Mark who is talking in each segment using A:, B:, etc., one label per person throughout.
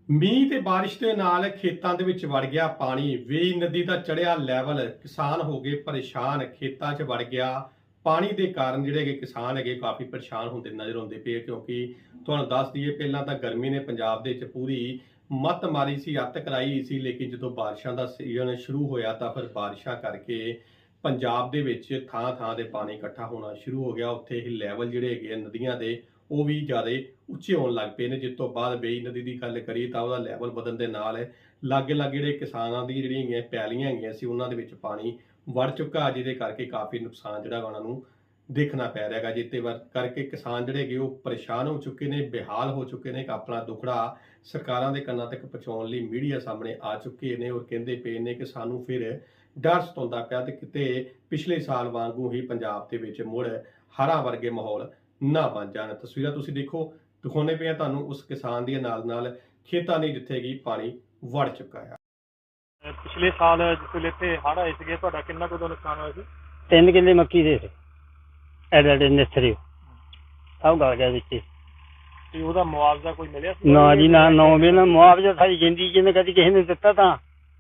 A: ਮੀਂਹ ਤੇ ਬਾਰਿਸ਼ ਦੇ ਨਾਲ ਖੇਤਾਂ ਦੇ ਵਿੱਚ ਵੜ ਗਿਆ ਪਾਣੀ। ਵੇਈ ਨਦੀ ਦਾ ਚੜਿਆ ਲੈਵਲ, ਕਿਸਾਨ ਹੋ ਗਏ ਪਰੇਸ਼ਾਨ। ਖੇਤਾਂ 'ਚ ਵੜ ਗਿਆ ਪਾਣੀ ਦੇ ਕਾਰਨ ਜਿਹੜੇ ਹੈਗੇ ਕਿਸਾਨ ਹੈਗੇ ਕਾਫੀ ਪਰੇਸ਼ਾਨ ਹੁੰਦੇ ਨਜ਼ਰ ਆਉਂਦੇ ਪਏ, ਕਿਉਂਕਿ ਤੁਹਾਨੂੰ ਦੱਸ ਦਈਏ ਪਹਿਲਾਂ ਤਾਂ ਗਰਮੀ ਨੇ ਪੰਜਾਬ ਦੇ ਵਿੱਚ ਪੂਰੀ ਮੱਤ ਮਾਰੀ ਸੀ, ਅੱਤ ਕਰਾਈ ਸੀ। ਲੇਕਿਨ ਜਦੋਂ ਬਾਰਿਸ਼ਾਂ ਦਾ ਸੀਜ਼ਨ ਸ਼ੁਰੂ ਹੋਇਆ ਤਾਂ ਫਿਰ ਬਾਰਿਸ਼ਾਂ ਕਰਕੇ ਪੰਜਾਬ ਦੇ ਵਿੱਚ ਥਾਂ ਥਾਂ ਦੇ ਪਾਣੀ ਇਕੱਠਾ ਹੋਣਾ ਸ਼ੁਰੂ ਹੋ ਗਿਆ। ਉੱਥੇ ਹੀ ਲੈਵਲ ਜਿਹੜੇ ਹੈਗੇ ਨਦੀਆਂ ਦੇ ਉਹ ਵੀ ਜ਼ਿਆਦਾ ਉੱਚੇ ਹੋਣ ਲੱਗ ਪਏ ਨੇ। ਜਿਸ ਤੋਂ ਬਾਅਦ ਵੇਈ ਨਦੀ ਦੀ ਗੱਲ ਕਰੀਏ ਤਾਂ ਉਹਦਾ ਲੈਵਲ ਵਧਣ ਦੇ ਨਾਲ ਲਾਗੇ ਲਾਗੇ ਜਿਹੜੇ ਕਿਸਾਨਾਂ ਦੀ ਜਿਹੜੀਆਂ ਹੈਗੀਆਂ ਪੈਲੀਆਂ ਹੈਗੀਆਂ ਸੀ ਉਹਨਾਂ ਦੇ ਵਿੱਚ ਪਾਣੀ ਵੜ ਚੁੱਕਾ, ਜਿਹਦੇ ਕਰਕੇ ਕਾਫੀ ਨੁਕਸਾਨ ਜਿਹੜਾ ਉਹਨਾਂ ਨੂੰ ਦੇਖਣਾ ਪੈ ਰਿਹਾ ਹੈਗਾ। ਜਿੱਤੇ ਕਰਕੇ ਕਿਸਾਨ ਜਿਹੜੇ ਹੈਗੇ ਉਹ ਪਰੇਸ਼ਾਨ ਹੋ ਚੁੱਕੇ ਨੇ, ਬੇਹਾਲ ਹੋ ਚੁੱਕੇ ਨੇ। ਆਪਣਾ ਦੁਖੜਾ ਸਰਕਾਰਾਂ ਦੇ ਕੰਨਾਂ ਤੱਕ ਪਹੁੰਚਾਉਣ ਲਈ ਮੀਡੀਆ ਸਾਹਮਣੇ ਆ ਚੁੱਕੇ ਨੇ ਔਰ ਕਹਿੰਦੇ ਪਏ ਨੇ ਕਿ ਸਾਨੂੰ ਫਿਰ ਡਰ ਸਤਾਉਂਦਾ ਪਿਆ ਤੇ ਕਿਤੇ ਪਿਛਲੇ ਸਾਲ ਵਾਂਗੂ ਹੀ ਪੰਜਾਬ ਦੇ ਵਿੱਚ ਮੁੜ ਹੜ੍ਹਾਂ ਵਰਗੇ ਮਾਹੌਲ ਨਾ ਬਣ ਜਾਣ। ਤਸਵੀਰਾਂ ਤੁਸੀਂ ਦੇਖੋ, ਦਿਖਾਉਣੇ ਪਏ ਤੁਹਾਨੂੰ ਉਸ ਕਿਸਾਨ ਦੀਆਂ ਨਾਲ ਖੇਤਾਂ ਦੀ ਜਿੱਥੇ ਕਿ ਪਾਣੀ ਵੜ ਚੁੱਕਾ ਹੈ।
B: ਪਿਛਲੇ ਸਾਲ ਜਿਸ ਵੇਲੇ ਇੱਥੇ ਹੜ੍ਹ ਆਏ ਸੀਗੇ, ਤੁਹਾਡਾ ਕਿੰਨਾ ਕੁ ਨੁਕਸਾਨ ਹੋਇਆ ਸੀ?
C: 3 ਕਿੱਲੇ ਮੱਕੀ ਦੇ ਸੀ, ਐਡੇ ਨਿਸਰੇ ਸਭ ਗਲ ਗਿਆ ਵਿੱਚ।
B: ਤੇ ਉਹਦਾ ਮੁਆਵਜ਼ਾ ਕੋਈ ਮਿਲਿਆ ਸੀ?
C: ਨਾ ਜੀ ਨਾ, 9 ਮਹੀਨੇ ਮੁਆਵਜ਼ਾ ਸਾਡੀ ਜ਼ਿੰਦਗੀ ਜਿੰਨੇ ਕਦੀ ਕਿਸੇ ਨੇ ਦਿੱਤਾ ਤਾਂ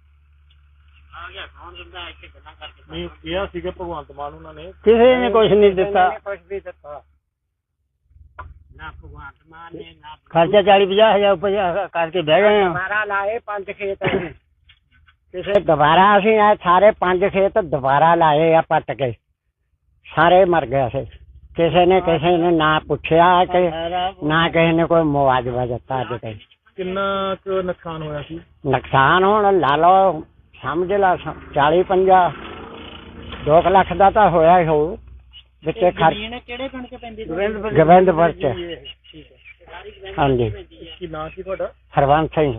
B: ਨਹੀਂ ਕਿਹਾ ਸੀਗਾ ਭਗਵੰਤ ਮਾਨ ਉਹਨਾਂ ਨੇ?
C: ਕਿਸੇ ਨੇ ਕੁਛ ਨਹੀਂ ਦਿੱਤਾ। ਖਰਚਾ 40-50 ਹਜ਼ਾਰ ਰੁਪਇਆ ਕਰਕੇ ਬਹਿ ਗਏ ਆ।
D: ਦੁਬਾਰਾ ਲਾਏ 5 ਖੇਤ ਕਿਸੇ ਦੁਬਾਰਾ ਅਸੀਂ ਇਹ ਸਾਰੇ 5 ਖੇਤ ਦੁਬਾਰਾ ਲਾਏ ਆ ਪੱਟ ਕੇ, ਸਾਰੇ ਮਰ ਗਏ ਸੀ। ਕਿਸੇ ਨੇ ਨਾ ਪੁੱਛਿਆ ਕਿ ਨਾ ਕਿਸੇ ਨੇ ਕੋਈ ਮੁਆਵਜ਼ਾ ਦਿੱਤਾ। ਅੱਜ ਤੱਕ
B: ਕਿੰਨਾ ਕੁ ਨੁਕਸਾਨ ਹੋਇਆ ਸੀ?
C: ਨੁਕਸਾਨ ਹੁਣ ਲਾ ਲਓ, ਸਮਝ ਲਾ 40-50 2 ਲੱਖ ਦਾ ਤਾਂ ਹੋਇਆ ਹੀ ਹੋਊ। ਵਿੱਚੇ ਖਰਚ
D: ਕਿਹੜੇ ਪਿੰਡ ਚ ਪੈਂਦੀ?
C: ਗੋਬਿੰਦਪੁਰ ਚ। ਹਾਂਜੀ।
B: ਕੀ ਨਾਂ ਸੀ ਤੁਹਾਡਾ?
C: ਹਰਵੰਤ ਸਿੰਘ।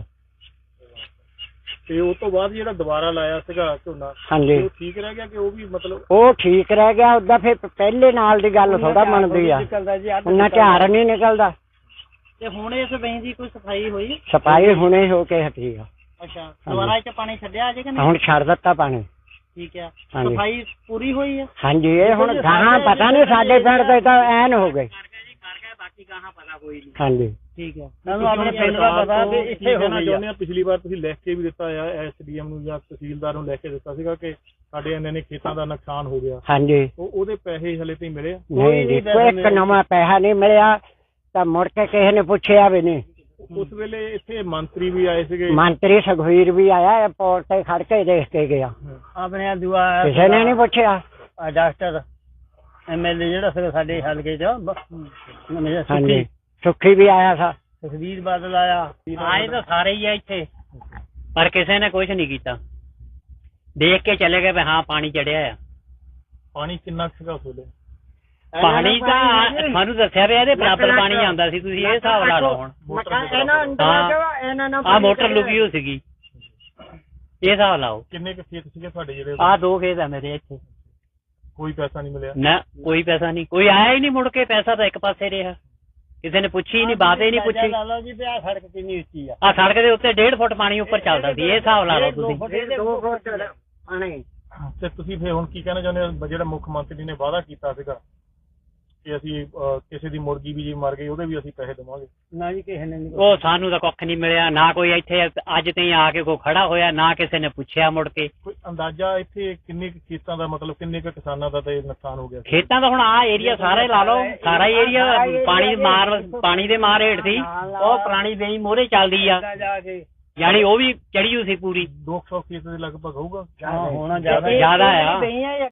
B: ਤੇ ਉਸ ਤੋਂ ਬਾਅਦ ਜਿਹੜਾ ਦੁਬਾਰਾ ਲਾਇਆ ਸੀਗਾ ਝੋਨਾ,
C: ਹਾਂਜੀ,
B: ਉਹ ਠੀਕ ਰਹਿ ਗਿਆ ਕਿ ਉਹ ਵੀ ਮਤਲਬ?
C: ਉਹ ਠੀਕ ਰਹਿ ਗਿਆ। ਉਦਾਂ ਫਿਰ ਪਹਿਲੇ ਨਾਲ ਦੀ ਗੱਲ ਥੋੜਾ ਬਣਦੀ ਆ, ਉਹਨਾਂ ਝਾੜ ਨਹੀਂ ਨਿਕਲਦਾ।
D: ਤੇ ਹੁਣ ਇਸ ਬਈ ਦੀ ਕੋਈ ਸਫਾਈ ਹੋਈ?
C: ਸਫਾਈ ਹੁਣੇ ਹੋ ਕੇ ਹਟੀ ਆ।
D: ਅੱਛਾ, ਦੁਬਾਰਾ ਚ ਪਾਣੀ ਛੱਡਿਆ ਅਜੇ ਕਿ ਨਹੀਂ?
C: ਹੁਣ ਛੱਡ ਦਿੱਤਾ ਪਾਣੀ।
D: ਠੀਕ ਹੈ,
C: ਹਾਂਜੀ।
D: ਸਫਾਈ ਪੂਰੀ ਹੋਈ ਹੈ?
C: ਹਾਂਜੀ, ਇਹ ਹੁਣ ਗਾਹਾਂ ਪਤਾ ਨਹੀਂ, ਸਾਡੇ ਪਿੰਡ ਤੇ ਤਾਂ ਐਨ ਹੋ ਗਏ।
D: ਬਾਕੀ ਗਾਹਾਂ ਪਤਾ ਕੋਈ ਨਹੀਂ।
C: ਹਾਂਜੀ,
D: ਠੀਕ ਹੈ,
B: ਮੈਨੂੰ ਆਪਣੇ ਪਿੰਡ ਦਾ ਪਤਾ ਤੇ ਇੱਥੇ ਹੋਣਾ ਚਾਹੁੰਦੇ ਆ। ਪਿਛਲੀ ਵਾਰ ਤੁਸੀਂ ਲਿਖ ਕੇ ਵੀ ਦਿੱਤਾ ਆ ਐਸਡੀਐਮ ਨੂੰ ਜਾਂ ਤਹਿਸੀਲਦਾਰ ਨੂੰ, ਲਿਖ ਕੇ ਦਿੱਤਾ ਸੀਗਾ ਕਿ ਸਾਡੇ ਇੰਨੇ ਖੇਤਾਂ ਦਾ ਨੁਕਸਾਨ ਹੋ ਗਿਆ।
C: ਹਾਂਜੀ।
B: ਉਹਦੇ ਪੈਸੇ ਹਲੇ ਤੇ ਮਿਲੇ?
C: ਨਹੀਂ ਜੀ, ਕੋਈ ਇੱਕ ਨਵਾਂ ਪੈਸਾ ਨਹੀਂ ਮਿਲਿਆ। ਤਾਂ ਮੁੜ ਕੇ ਕਿਸੇ ਨੇ ਪੁੱਛਿਆ ਵੀ ਨਹੀਂ।
B: ਉਸ ਵੇਲੇ ਇੱਥੇ ਮੰਤਰੀ ਵੀ ਆਏ ਸੀਗੇ।
C: ਮੰਤਰੀ ਸੁਖਵੀਰ ਵੀ ਆਇਆ, ਪੋਰਟ ਤੇ ਖੜ ਕੇ ਦੇਖ ਕੇ ਗਿਆ।
D: ਆਪਣੇ ਦੁਆ
C: ਕਿਸੇ ਨੇ ਨਹੀਂ ਪੁੱਛਿਆ।
D: ਡਾਕਟਰ ਐਮਐਲਏ ਜਿਹੜਾ ਸੀਗਾ ਸਾਡੇ ਹਲਕੇ ਚ,
C: ਹਾਂਜੀ, ਸੁੱਖੀ ਵੀ ਆਇਆ ਸੀ।
D: ਸੁਖਬੀਰ ਬਾਦਲ ਆਇਆ। ਆਏ ਤਾਂ ਸਾਰੇ ਹੀ ਆ ਇੱਥੇ, ਪਰ ਕਿਸੇ ਨੇ ਕੁਛ ਨਹੀਂ ਕੀਤਾ। ਦੇਖ ਕੇ ਚਲੇ ਗਏ ਵੀ ਹਾਂ ਪਾਣੀ ਚੜਿਆ ਆ।
B: ਪਾਣੀ ਕਿੰਨਾ ਸੀਗਾ ਉਸ ਵੇਲੇ?
C: ਪਾਣੀ ਤਾਂ ਸਾਨੂੰ ਦੱਸਿਆ ਵੀ ਇਹਦੇ ਬਰਾਬਰ ਪਾਣੀ ਆਉਂਦਾ ਸੀ। ਤੁਸੀਂ ਇਹ ਹਿਸਾਬ ਲਾ ਲਓ। ਹੁਣ ਆਹ ਮੋਟਰ ਲੁਕੀ ਹੋ ਸੀਗੀ, ਇਹ ਹਿਸਾਬ ਲਾਓ।
B: ਕਿੰਨੇ ਕੁ ਖੇਤ ਸੀਗੇ ਤੁਹਾਡੇ ਜਿਹੜੇ?
C: ਆਹ 2 ਖੇਤ ਆ ਮੇਰੇ ਇੱਥੇ।
B: ਕੋਈ ਪੈਸਾ ਨਹੀਂ ਮਿਲਿਆ?
C: ਨਾ, ਕੋਈ ਪੈਸਾ ਨਹੀਂ, ਕੋਈ ਆਇਆ ਹੀ ਨਹੀਂ ਮੁੜ ਕੇ। ਪੈਸਾ ਤਾਂ ਇੱਕ ਪਾਸੇ ਰਿਹਾ, ਕਿਸੇ ਨੇ ਪੁੱਛੀ ਹੀ ਨਹੀਂ, ਬਾਤ ਹੀ ਨਹੀਂ ਪੁੱਛੀ।
D: ਲਾ ਲਓ ਜੀ, ਆਹ ਸੜਕ ਕਿੰਨੀ ਉੱਚੀ ਆ।
C: ਆਹ ਸੜਕ ਦੇ ਉੱਤੇ 1.5 ਫੁੱਟ ਪਾਣੀ ਉੱਪਰ ਚੱਲਦਾ ਸੀ। ਇਹ ਹਿਸਾਬ ਲਾ ਲਓ ਤੁਸੀਂ।
D: 2 ਫੁੱਟ ਪਾਣੀ।
B: ਤੇ ਤੁਸੀਂ ਫਿਰ ਹੁਣ ਕੀ ਕਹਿਣਾ ਚਾਹੁੰਦੇ ਹੋ? ਜਿਹੜਾ ਮੁੱਖ ਮੰਤਰੀ ਨੇ ਵਾਅਦਾ ਕੀਤਾ ਸੀਗਾ ਕਿ ਅਸੀਂ ਕਿਸੇ ਦੀ ਮੁਰਗੀ ਵੀ ਜੇ ਮਰ ਗਈ ਉਹਦੇ ਵੀ ਅਸੀਂ ਪੈਸੇ ਦੇਵਾਂਗੇ।
D: ਨਾ ਜੀ, ਕਿਸੇ ਨੇ ਨਹੀਂ।
C: ਉਹ ਸਾਨੂੰ ਤਾਂ ਕੁੱਖ ਨਹੀਂ ਮਿਲਿਆ, ਨਾ ਕੋਈ ਇੱਥੇ ਅੱਜ ਤਾਈਂ ਆ ਕੇ ਕੋਈ ਖੜਾ ਹੋਇਆ, ਨਾ ਕਿਸੇ ਨੇ ਪੁੱਛਿਆ ਮੁੜ ਕੇ।
B: ਕੋਈ ਅੰਦਾਜ਼ਾ ਇੱਥੇ ਕਿੰਨੇ ਕੁ ਖੇਤਾਂ ਦਾ, ਮਤਲਬ ਕਿੰਨੇ ਕੁ ਕਿਸਾਨਾਂ ਦਾ ਤੇ ਨੁਕਸਾਨ ਹੋ ਗਿਆ?
C: ਖੇਤਾਂ ਦਾ ਹੁਣ ਆਹ ਏਰੀਆ ਸਾਰਾ ਹੀ ਲਾ ਲਓ, ਸਾਰਾ ਹੀ ਏਰੀਆ ਪਾਣੀ ਦੇ ਮਾਰ ਹੇਠ ਸੀ। ਉਹ ਪੁਰਾਣੀ ਵੇਈ ਮੋਹਰੇ ਚੱਲਦੀ ਆ, ਯਾਨੀ ਉਹ ਵੀ ਚੜੀ ਹੋਈ ਸੀ ਪੂਰੀ।
B: 200 ਖੇਤ ਦੇ ਲਗਭਗ ਹੋਊਗਾ।
D: ਹੋਣਾ
C: ਜ਼ਿਆਦਾ ਆ।